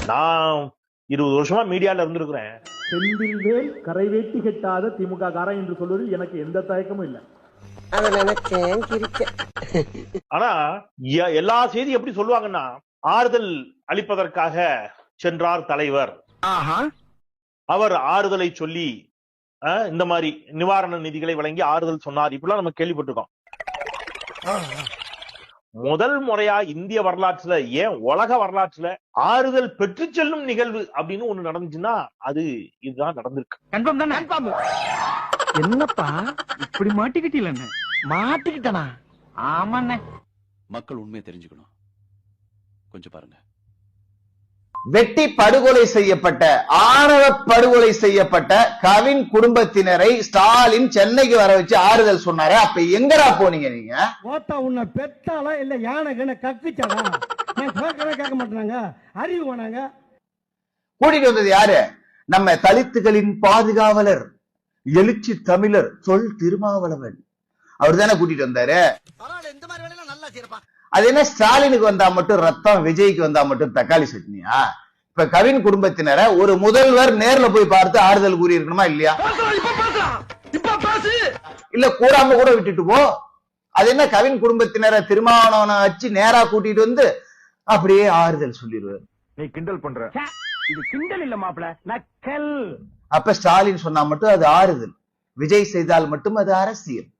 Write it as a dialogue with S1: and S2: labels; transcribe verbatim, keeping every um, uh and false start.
S1: நான் இருபது வருஷமா மீடியால இருந்திருக்கிறேன்.
S2: செந்தில்வேல் கரை வேட்டி கட்டாத திமுக காரன் என்று சொல்வதில் எனக்கு எந்த தயக்கமும் இல்லை.
S3: அத நினைச்சேன் கிரிச்சேன்.
S1: ஆனா எ- எல்லா செய்தி எப்படி சொல்லுவாங்கன்னா, ஆறுதல் அளிப்பதற்காக சென்றார் தலைவர், அவர் ஆறுதலை சொல்லி அஹ், இந்த மாதிரி நிவாரண நிதிகளை வழங்கி ஆறுதல் சொன்னார், இப்படிலாம் நம்ம கேள்விப்பட்டிருக்கோம். முதல் முறையா இந்திய வரலாற்றுல, ஏன் உலக வரலாற்றுல ஆறுதல் பெற்று செல்லும் நிகழ்வு அப்படின்னு ஒண்ணு நடந்துச்சுன்னா அது இதுதான் நடந்திருக்கு.
S4: கன்ஃபார்ம் தானே? கன்ஃபார்ம். என்னப்பா இப்படி மாட்டிக்கிட்டீல? மாட்டிக்கிட்டனா? ஆமாண்ணே.
S5: மக்கள் உண்மையை தெரிஞ்சுக்கணும், கொஞ்சம் பாருங்க.
S6: வெட்டி படுகொலை செய்யப்பட்ட ஆணவ படுகொலை செய்யப்பட்ட கவின் குடும்பத்தினரை ஸ்டாலின் சென்னைக்கு வர வச்சு ஆறுதல் சொன்னாரு. அப்ப எங்கடா போனீங்க நீங்க?
S7: ஓத்தா உன்னை பெத்தாலா இல்ல யானை கண்ண கக்குச்சாடா? நான் கேட்கவே கேட்க மாட்டாங்க, அறிவு வேணாங்க.
S6: கூட்டிட்டு வந்தது யாரு? நம்ம தலித்துகளின் பாதுகாவலர், எழுச்சி தமிழர் சொல் திருமாவளவன். அவர் தானே கூட்டிட்டு வந்தாரு.
S3: இந்த மாதிரி வேலையெல்லாம் நல்லா செய்யறப்பா.
S6: அது என்ன ஸ்டாலினுக்கு வந்தா மட்டும் ரத்தம், விஜய்க்கு வந்தா மட்டும் தக்காளி சட்னியா? இப்ப கவின் குடும்பத்தினரை ஒரு முதல்வர் நேர்ல போய் பார்த்து ஆறுதல் கூறி இருக்கணுமா இல்லையா? இல்ல கூறாம கூட விட்டுட்டு போ. அது என்ன கவின் குடும்பத்தினரை திருமாவளவனை வச்சு நேரா கூட்டிட்டு வந்து அப்படியே ஆறுதல் சொல்லிடுவாரு.
S2: நீ கிண்டல் பண்ற.
S4: இது கிண்டல் இல்ல மாப்ள, நக்கல்.
S6: அப்ப ஸ்டாலின் சொன்னா மட்டும் அது ஆறுதல், விஜய் செய்தால் மட்டும் அது அரசியல்.